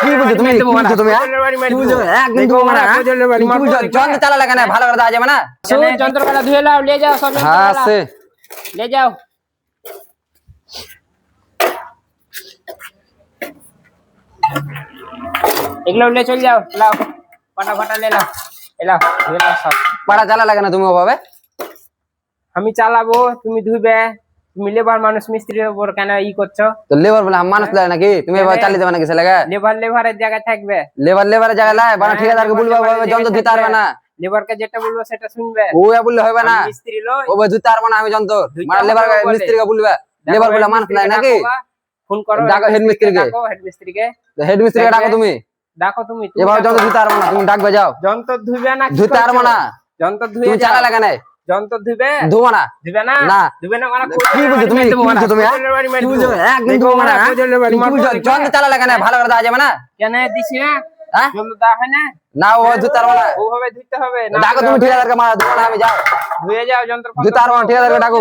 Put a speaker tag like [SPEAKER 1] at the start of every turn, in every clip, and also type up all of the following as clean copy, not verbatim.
[SPEAKER 1] কি বলছো তুমি? কি বলছো তুমি? কি বলছো? একদম দেবো মারা। কি বলছো? যন্ত্র চালা লাগা না, ভালো করে দেওয়া যাবে না?
[SPEAKER 2] যন্ত্রপালা ধুয়ে লাও, নিয়ে যাও সব
[SPEAKER 1] হ্যাঁ
[SPEAKER 2] যন্ত্রপালা
[SPEAKER 1] সে
[SPEAKER 2] নিয়ে যাও। এগুলো নিয়ে চলে যাও, লাও পাটা ফাটা নিয়ে লাও, এলাও ধুয়ে লাও সব।
[SPEAKER 1] পাড়া চালা লাগে না তুমি ওভাবে?
[SPEAKER 2] আমি চালাবো, তুমি ধুবে। তুমি লেবার মানুষ, মিস্ত্রির উপর কেন ই করছো?
[SPEAKER 1] তো লেবার বলে মানুষ লাগে নাকি? তুমি এবার চালিয়ে দেবে নাকি ছেলেকে?
[SPEAKER 2] লেবারের জায়গায় থাকবে।
[SPEAKER 1] লেবারের জায়গায় লাই বানা, ঠিকাদারকে বলবে ওভাবে যন্ত্র দিতে পারবে না।
[SPEAKER 2] লেবারকে যেটা বলবো সেটা শুনবে।
[SPEAKER 1] ও বললে হবে না,
[SPEAKER 2] মিস্ত্রি লই,
[SPEAKER 1] ও দিতে পারবো না আমি যন্ত্র।
[SPEAKER 2] দুইটা
[SPEAKER 1] মানে লেবার
[SPEAKER 2] বলে।
[SPEAKER 1] মিস্ত্রিকে বলবে, লেবার বলে মানুষ নাই নাকি?
[SPEAKER 2] ফোন করো,
[SPEAKER 1] ডাকো হেড মিস্ত্রিকে।
[SPEAKER 2] হেড মিস্ত্রিকে।
[SPEAKER 1] হেড মিস্ত্রিকে ডাকো তুমি।
[SPEAKER 2] ডাকো তুমি।
[SPEAKER 1] এভাবে যন্ত্র দিতে পারবো না, তুমি ডাকবে যাও।
[SPEAKER 2] যন্ত্র ধুবে না?
[SPEAKER 1] ধুতে পারবো না।
[SPEAKER 2] যন্ত্র ধুয়ে
[SPEAKER 1] তুমি চালা লাগা নাই।
[SPEAKER 2] যন্ত্র ধুবে?
[SPEAKER 1] ধুবো না।
[SPEAKER 2] ধুবে না?
[SPEAKER 1] না।
[SPEAKER 2] ধুবে না মানে
[SPEAKER 1] কি বলছো তুমি? কি বলছো তুমি? কি বলছো? একদম ধুবো না। কি বলছো? যন্ত্র চালা লাগা নাই, ভালো করে দেওয়া যাবে না?
[SPEAKER 2] কেন দিছি না?
[SPEAKER 1] হ্যাঁ?
[SPEAKER 2] যন্ত্র দেওয়া হয় না?
[SPEAKER 1] না ও ধুতে পারবো না।
[SPEAKER 2] ওভাবে ধুতে হবে না?
[SPEAKER 1] ডাকো তুমি ঠিকাদারকে, মারা ধুবো না আমি, যাও।
[SPEAKER 2] ধুয়ে যাও যন্ত্র।
[SPEAKER 1] ধুতে পারবো না, ঠিকাদারকে ডাকো।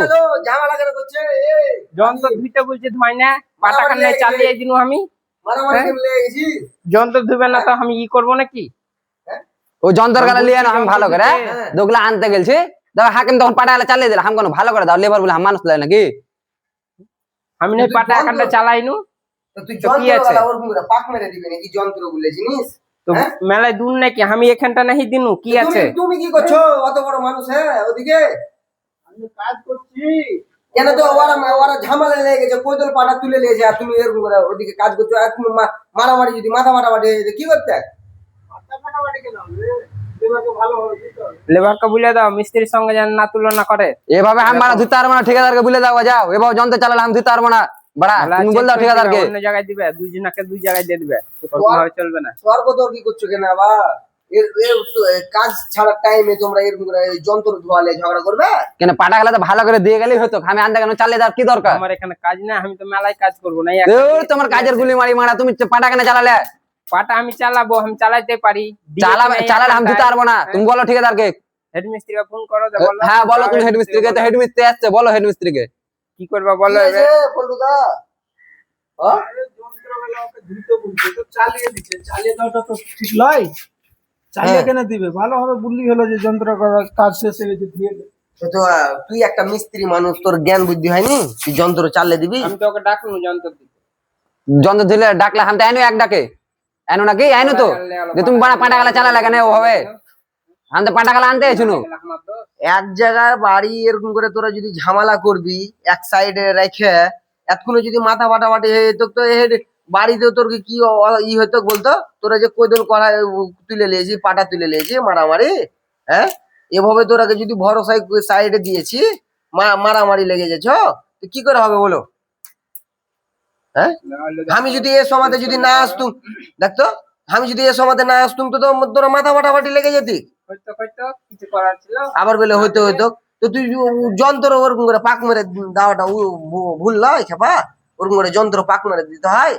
[SPEAKER 2] যন্ত্র ধুইতে বলছে, ধয় না? পাটা কান্নে চালিয়ে দিন আমি। যন্ত্র ধুবে না তো আমি ই করবো নাকি?
[SPEAKER 1] ও যন্ত্র গালা লিয়ে না, আমি ভালো করে দোগলা আনতে গেলছি। দেখো হাকিম তখন পাটা গালা চালিয়ে দিল, আমি কোনো ভালো করে দাও। লেবার বলে মানুষ লাগে নাকি?
[SPEAKER 2] আমি না পাটা কান্নে চালাইনু।
[SPEAKER 3] তুই যন্ত্র ওরকম করে পাক মেরে দিবি নাকি যন্ত্র বলে জিনিস?
[SPEAKER 2] তো মেলায় দূর নাকি? আমি এখানটা নাহি দিনু, কি আছে?
[SPEAKER 3] তুমি কি করছো? অত বড় মানুষ হ্যাঁ ওদিকে আমি কাজ করছি। কেন তো ওরা ঝামেলা লেগে গেছে, কোদল পাটা তুলে নিয়েছে আর তুমি এরকম করে ওদিকে কাজ করছো। আর তুমি মারামারি, যদি মাথা ফাটাফাটি কি করতে? মাথা ফাটাফাটি কেন হবে? ভালো হবে।
[SPEAKER 2] লেবারকে বলে দাও মিস্ত্রির সঙ্গে যেন না তুলনা করে।
[SPEAKER 1] এভাবে আমি মারা ধুতে পারবো না, ঠিকাদারকে বলে দাও যাও। এভাবে যন্ত্র চালালে আমি ধুতে পারবো না। বড়া তুমি বল দাও ঠিকাদারকে।
[SPEAKER 2] অন্য জায়গায় দিবে, দুইজনকে দুই জায়গায় দিয়ে দিবে, ওরকমভাবে চলবে না।
[SPEAKER 3] স্বর্গ তো কি করছো কেন আবার? কাজ ছাড়ার টাইমে তোমরা এরকম করে যন্ত্র ধোয়ালে ঝগড়া করবে
[SPEAKER 1] কেন পাটা গালা তো ভালো করে দিয়ে গেলেই হতো, আমি আনতে কেন চালিয়ে দেওয়ার কি দরকার?
[SPEAKER 2] আমার এখানে কাজ না, আমি তো মেলায় কাজ করবো না।
[SPEAKER 1] তোমার কাজের গুলি মারি মারা, তুমি পাটা কেন চালালে?
[SPEAKER 2] পাটা আমি চালাবো, আমি চালাইতে পারি।
[SPEAKER 1] চালালে আমি দিতে পারবো না, তুমি বলো ঠিকাদারকে।
[SPEAKER 2] হেড মিস্ত্রিকে ফোন করো।
[SPEAKER 1] হ্যাঁ বলো তুমি হেড মিস্ত্রিকে, তো হেড মিস্ত্রি আসছে, বলো হেড মিস্ত্রিকে।
[SPEAKER 2] কি করবা বলো।
[SPEAKER 3] পল্টুদা চালিয়ে দিচ্ছে, চালিয়ে দেওয়াটা তো ঠিক নয়। চালিয়ে কেন দিবে? ভালোভাবে বললি হলো যে যন্ত্র করার কাজ শেষ হয়ে গেছে, দিয়ে দে। তো তুই একটা মিস্ত্রি মানুষ, তোর জ্ঞান বুদ্ধি হয়নি? তুই যন্ত্র চালিয়ে দিবি?
[SPEAKER 2] আমি তো ওকে ডাকনু যন্ত্র দিতে।
[SPEAKER 1] যন্ত্র দিলে ডাকলে আমি তো আইনো এক ডাকে আইনো নাকি? আইনো তো যে তুমি পাটা গালা চালা লাগে না ওভাবে। আমি তো পাটা গালা আনতে এসেছিনু।
[SPEAKER 3] এক জায়গায় বাড়ি এরকম করে তোরা যদি ঝামেলা করবি এক সাইডে রেখে, এতক্ষণ যদি মাথা ফাটাফাটি হয়ে যেত তো বাড়িতে তোর কি ই হতো বলতো? তোরা যে কোদল কড়া তুলে নিয়েছি, পাটা তুলে নিয়েছি, মারামারি হ্যাঁ এভাবে তোরাকে যদি ভরসায় সাইডে দিয়েছি, মারামারি লেগে যাচ্ছ, তো কি করে হবে বলো? হ্যাঁ আমি যদি এ সমাজে যদি না আসতুম, দেখতো আমি যদি এ সমাজে না আসতুম তো তোরা মাথা ফাটাফাটি লেগে যেতি।
[SPEAKER 2] কিছু করার ছিল
[SPEAKER 3] আবার বলে হইতো হইতো। তো তুই যন্ত্র ওরকম করে পাক মেরে দেওয়াটা ভুল নয় খেপা? ওরকম করে যন্ত্র পাক মেরে দিতে হয়?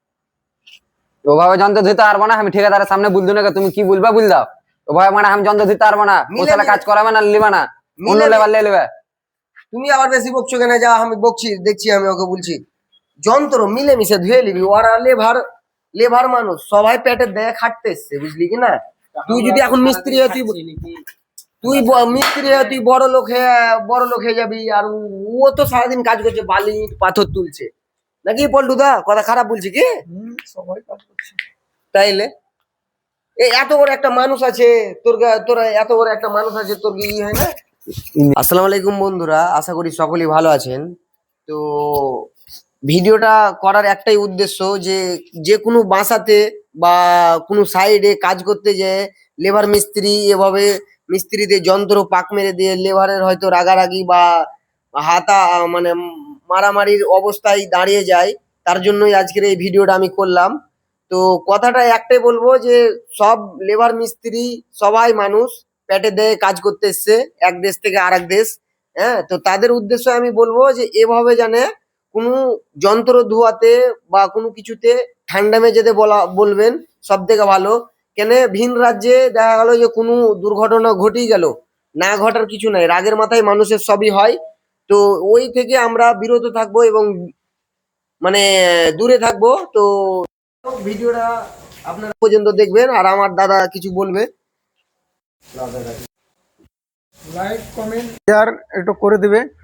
[SPEAKER 1] ওভাবে যন্ত্র দিতে পারবো না, আমি ঠিকাদারের সামনে বলতো না, তুমি কি বলবা বল দাও। ওভাবে মানে আমি যন্ত্র দিতে পারবো না, মশলা কাজ করাবে না, লিবা না, অন্য লেবার লিয়ে নেবে।
[SPEAKER 3] তুমি আবার বেশি বকছো কেন? যা আমি বকছি দেখছি, আমি ওকে বলছি যন্ত্র মিলেমিশে ধুয়ে নিবি। ওরা লেবার মানুষ, সবাই পেটের দেয় খাটতে এসছে, বুঝলি কি না? তুই যদি এখন মিস্ত্রি হয়, তুই মিস্ত্রি হয়ে তুই বড় লোক হয়ে যাবি। আর ও তো সারাদিন কাজ করছে, বালি পাথর তুলছে নাকি? পল্টুদা কথা খারাপ বলছি কি? সবাই কাজ করছে তাইলে এত বড় একটা মানুষ আছে তোরা এত বড় একটা মানুষ আছে, তোর কি হয় না? আসসালামু আলাইকুম বন্ধুরা, আশা করি সকলেই ভালো আছেন। তো ভিডিওটা করার একটাই উদ্দেশ্য যে যে কোনো বাসাতে বা কোনো সাইডে কাজ করতে যে লেবার মিস্ত্রি এভাবে মিস্ত্রিদের যন্ত্র পাক মেরে দিয়ে লেবারের হয়তো রাগারাগি বা হাতা মানে মারামারির অবস্থায় দাঁড়িয়ে যায়, তার জন্যই আজকের এই ভিডিওটা আমি করলাম। তো কথাটা একটাই বলবো যে সব লেবার মিস্ত্রি সবাই মানুষ, পেটে দেয়ে কাজ করতে এসছে এক দেশ থেকে আরেক দেশ। হ্যাঁ, তো তাদের উদ্দেশ্যে আমি বলবো যে এভাবে জানে কোনো যন্ত্র ধোয়াতে বা কোনো কিছুতে ঠান্ডা মেঝেতে বলবেন সব থেকে ভালো। কেন ভিন রাজ্যে দেখা গেল যে কোনো দুর্ঘটনা ঘটেই গেল, না ঘটার কিছু নাই, রাগের মাথায় মানুষের সবই হয়। তো ওই থেকে আমরা বিরত থাকবো এবং মানে দূরে থাকবো। তো ভিডিওটা আপনারা পর্যন্ত দেখবেন আর আমার দাদা কিছু বলবে।
[SPEAKER 4] লাইক কমেন্ট শেয়ার একটু করে দিবে।